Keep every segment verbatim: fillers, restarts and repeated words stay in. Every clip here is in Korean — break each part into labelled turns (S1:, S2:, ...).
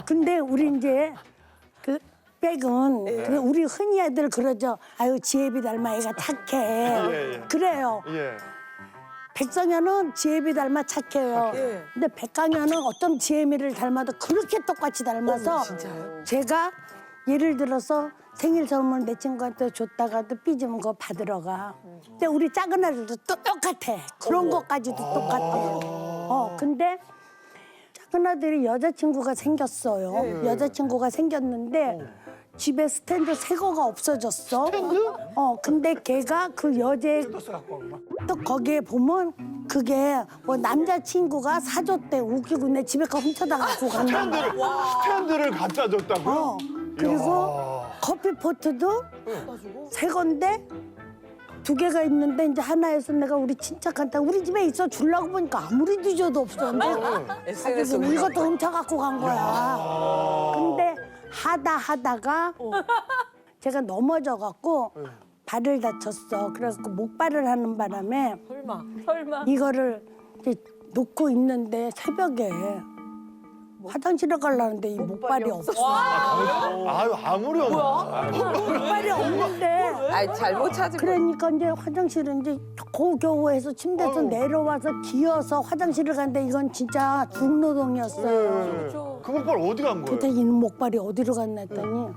S1: 근데 우리 이제 그 백은 그 우리 흔히 애들 그러죠. 아유 지혜비 닮아 애가 착해.
S2: 예, 예.
S1: 그래요.
S2: 예.
S1: 백성현은 지혜비 닮아 착해요.
S3: 예.
S1: 근데 백강현은 어떤 지혜미를 닮아도 그렇게 똑같이 닮아서
S3: 진짜요?
S1: 제가 예를 들어서 생일 선물 내 친구한테 줬다가도 삐지면 그거 받으러 가. 근데 우리 작은 아들도 또 똑같아. 그런 것까지도 똑같아. 어, 근데 작은 아들이 여자친구가 생겼어요. 여자친구가 생겼는데 집에 스탠드 새 거가 없어졌어. 어, 근데 걔가 그 여자의 또 거기에 보면 그게 뭐 남자친구가 사줬대. 웃기고 내 집에 가 훔쳐다 갖고 간다.
S2: 스탠드를, 스탠드를 갖다 줬다고요?
S1: 어, 그리고
S2: 이야.
S1: 커피 포트도 새 건데 두 개가 있는데 이제 하나에서 내가 우리 친척한테 우리 집에 있어 주려고 보니까 아무리 뒤져도 없어. 근데
S3: 에스엔에스
S1: 그래서 이것도 훔쳐 갖고 간 거야. 근데 하다 하다가 제가 넘어져 갖고 발을 다쳤어. 그래갖고 목발을 하는 바람에
S3: 설마. 설마.
S1: 이거를 이제 놓고 있는데 새벽에 화장실에 가려는데 이 목발이 없어.
S2: 아유, 아무리 없나.
S1: 목발이 없는데
S3: 아이 잘못 찾은 거.
S1: 그러니까 이제 화장실은 이제 고겨우 해서 침대에서 내려와서 기어서 화장실을 갔는데 이건 진짜 중노동이었어요.
S2: 그 목발 어디 간 거예요?
S1: 도대체 이 목발이 어디로 갔나 했더니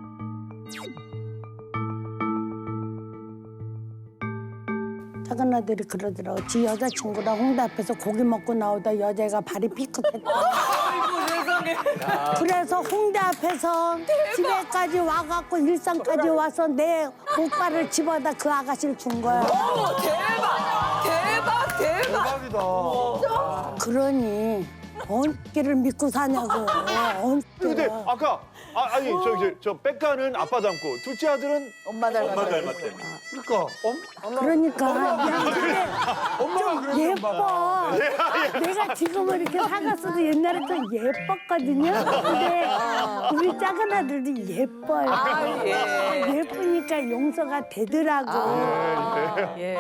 S1: 작은 아들이 그러더라고. 지 여자친구랑 홍대 앞에서 고기 먹고 나오다 여자애가 발이 삐끗했다.
S3: 아이고 세상에.
S1: 그래서 홍대 앞에서 집에까지 와갖고 일산까지 와서 내 목발을 집어다 그 아가씨를 준 거야.
S3: 어머 대박. 대박 대박.
S2: 대박이다.
S1: 그러니 언끼를 믿고 사냐고.
S2: 근데
S1: 언끼를.
S2: 아까 아, 아니 저기 저 백가는 아빠 닮고 둘째 아들은
S3: 엄마 닮았다.
S4: 엄마 닮았대.
S2: 그러니까 엄
S1: 그러니까 야, 근데
S4: 엄마가 그러는
S1: 예뻐. 내가 지금은 이렇게 사갔어도 옛날에 좀 예뻤거든요. 근데 우리 작은 아들도 예뻐요.
S3: 아, 예.
S1: 예쁘니까 용서가 되더라고.
S3: 예.